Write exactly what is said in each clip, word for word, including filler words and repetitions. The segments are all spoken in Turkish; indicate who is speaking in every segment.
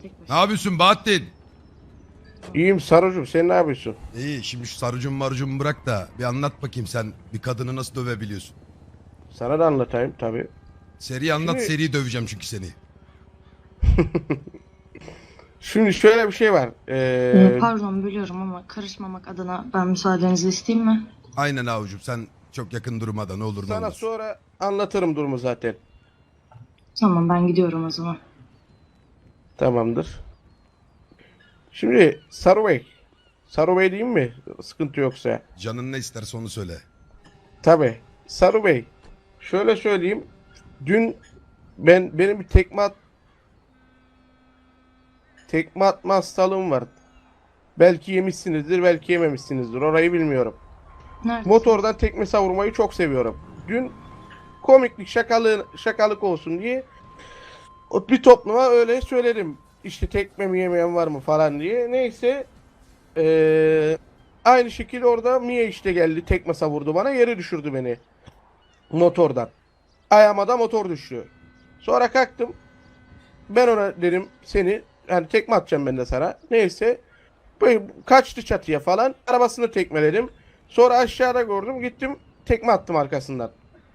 Speaker 1: tek
Speaker 2: Ne
Speaker 1: başına.
Speaker 2: yapıyorsun Bahattin?
Speaker 3: İyiyim Sarucuğum, sen ne yapıyorsun?
Speaker 2: İyi, şimdi şu sarıcım marıcım bırak da bir anlat bakayım, sen bir kadını nasıl dövebiliyorsun?
Speaker 3: Sana da anlatayım tabii.
Speaker 2: Seri anlat,
Speaker 3: Şimdi-
Speaker 2: seri döveceğim çünkü seni.
Speaker 3: Şimdi şöyle bir şey var.
Speaker 1: Ee,
Speaker 3: Ee,
Speaker 1: Pardon bölüyorum ama karışmamak adına ben müsaadenizi isteyeyim mi?
Speaker 2: Aynen avucum, sen çok yakın durmada ne olur ne
Speaker 3: sana
Speaker 2: olmaz.
Speaker 3: sonra anlatırım durumu zaten.
Speaker 1: Tamam ben gidiyorum o zaman.
Speaker 3: Tamamdır. Şimdi Saru Bey. Saru Bey diyeyim mi? Sıkıntı yoksa.
Speaker 2: Canın ne isterse onu söyle.
Speaker 3: Tabii. Saru Bey. Şöyle söyleyeyim. Dün ben benim bir tekme at tekme atma hastalığım var. Belki yemişsinizdir, belki yememişsinizdir. Orayı bilmiyorum.
Speaker 1: Nerede?
Speaker 3: Motordan tekme savurmayı çok seviyorum. Dün komiklik, şakalı, şakalık olsun diye o bir topluma öyle söyledim. İşte tekme mi yemeyen var mı falan diye. Neyse ee, aynı şekilde orada Mia işte geldi, tekme savurdu bana, yere düşürdü beni motordan. Ayağıma da motor düştü. Sonra kalktım. Ben ona dedim seni hani tekme atacağım ben de sana. Neyse böyle kaçtı çatıya falan. Arabasını tekmeledim. Sonra aşağıda gördüm. Gittim tekme attım arkasından.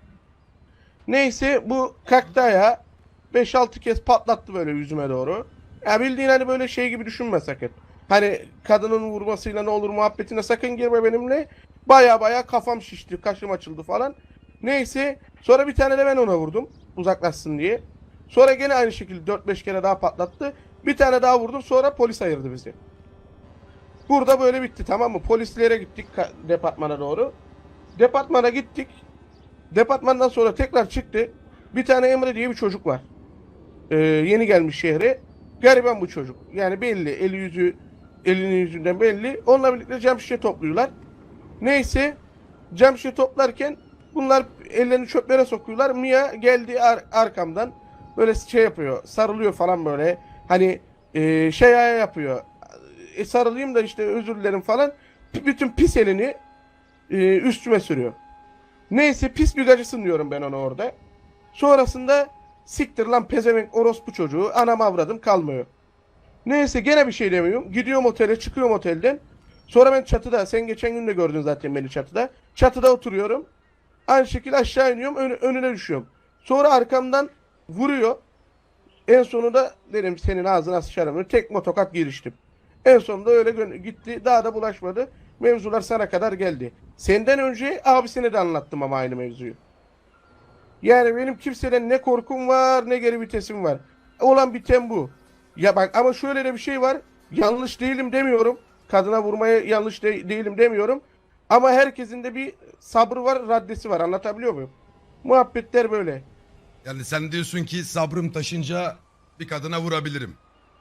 Speaker 3: Neyse bu kalktı ayağa. beş altı kez patlattı böyle yüzüme doğru. Ya bildiğin hani böyle şey gibi düşünme sakın. Hani kadının vurmasıyla ne olur muhabbetine sakın girme benimle. Baya baya kafam şişti, kaşım açıldı falan. Neyse sonra bir tane de ben ona vurdum uzaklaşsın diye. Sonra gene aynı şekilde dört beş kere daha patlattı. Bir tane daha vurdum, sonra polis ayırdı bizi. Burada böyle bitti, tamam mı? Polislere gittik departmana doğru. Departmana gittik. Departmandan sonra tekrar çıktı. Bir tane Emre diye bir çocuk var. Ee, yeni gelmiş şehre. Gariban bu çocuk. Yani belli. Eli yüzü, elinin yüzünden belli. Onunla birlikte cam şişe topluyorlar. Neyse. Cam şişe toplarken bunlar ellerini çöplere sokuyorlar. Mia geldi ar arkamdan. Böyle şey yapıyor. Sarılıyor falan böyle. Hani e, şey yapıyor. E, sarılayım da işte özür dilerim falan. P bütün pis elini e, üstüme sürüyor. Neyse pis bir gacısın diyorum ben ona orada. Sonrasında siktir lan pezevenk orospu çocuğu, anam avradım kalmıyor. Neyse gene bir şey demiyorum. Gidiyorum otele, çıkıyorum otelden. Sonra ben çatıda, sen geçen gün de gördün zaten beni çatıda. Çatıda oturuyorum. Aynı şekilde aşağı iniyorum, ön, önüne düşüyorum. Sonra arkamdan vuruyor. En sonunda dedim senin ağzına sıçarım. Tek motokat giriştim. En sonunda öyle gitti. Daha da bulaşmadı. Mevzular sana kadar geldi. Senden önce abisine de anlattım ama aynı mevzuyu. Yani benim kimseden ne korkum var ne geri vitesim var. Olan biten bu. Ya bak ama şöyle de bir şey var. Yanlış değilim demiyorum. Kadına vurmaya yanlış de değilim demiyorum. Ama herkesin de bir sabrı var, raddesi var. Anlatabiliyor muyum? Muhabbetler böyle.
Speaker 2: Yani sen diyorsun ki sabrım taşınca bir kadına vurabilirim.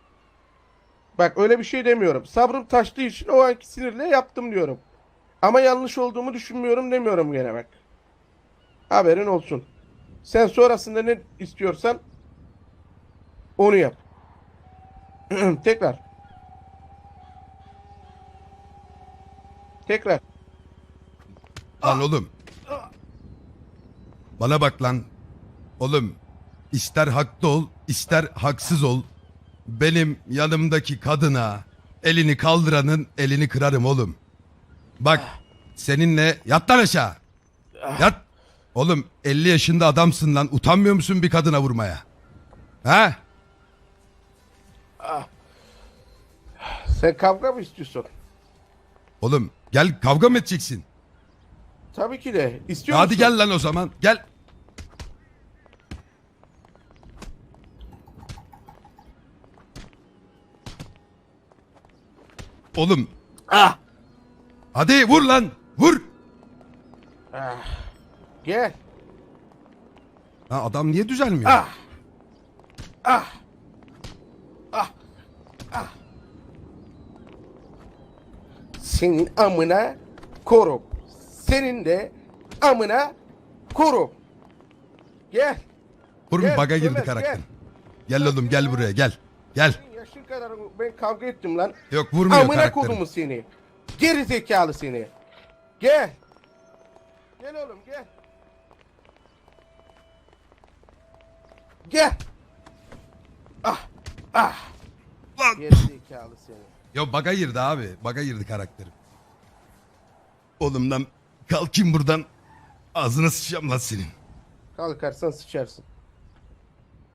Speaker 3: Bak öyle bir şey demiyorum. Sabrım taştığı için o anki sinirle yaptım diyorum. Ama yanlış olduğumu düşünmüyorum demiyorum gene bak. Haberin olsun. Sen sonrasında ne istiyorsan onu yap. Tekrar. Tekrar.
Speaker 2: Lan oğlum. Bana bak lan. Oğlum, ister haklı ol, ister haksız ol. Benim yanımdaki kadına elini kaldıranın elini kırarım oğlum. Bak, seninle yat lan aşağı. Yat. Oğlum elli yaşında adamsın lan. Utanmıyor musun bir kadına vurmaya? Ha?
Speaker 3: Sen kavga mı istiyorsun?
Speaker 2: Oğlum gel, kavga mı edeceksin?
Speaker 3: Tabii ki de. İstiyor
Speaker 2: Hadi
Speaker 3: musun?
Speaker 2: gel lan o zaman. Gel. Oğlum.
Speaker 3: Ah!
Speaker 2: Hadi vur lan. Vur.
Speaker 3: Gel.
Speaker 2: Ha, adam niye düzelmiyor?
Speaker 3: Ah! Ah! Ah! Ah! Senin amına korum. Senin de amına korum. Gel.
Speaker 2: Vur,
Speaker 3: Gel,
Speaker 2: bir baga girdi
Speaker 3: Ömer,
Speaker 2: karakter.
Speaker 3: gel.
Speaker 2: Gel oğlum, gel buraya, gel. Gel.
Speaker 3: Senin yaşın kadar ben kavga ettim lan.
Speaker 2: Yok, vurmuyor
Speaker 3: Amına
Speaker 2: karakterim.
Speaker 3: kodumu seni. Geri zekalı seni. Gel. Gel oğlum gel. Gel. Ah. Ah.
Speaker 2: Lan.
Speaker 3: Gerizekalı seni.
Speaker 2: Yo baga girdi abi. Baga girdi karakterim. Oğlum lan kalkayım buradan. Ağzına sıçacağım lan senin.
Speaker 3: Kalkarsan sıçarsın.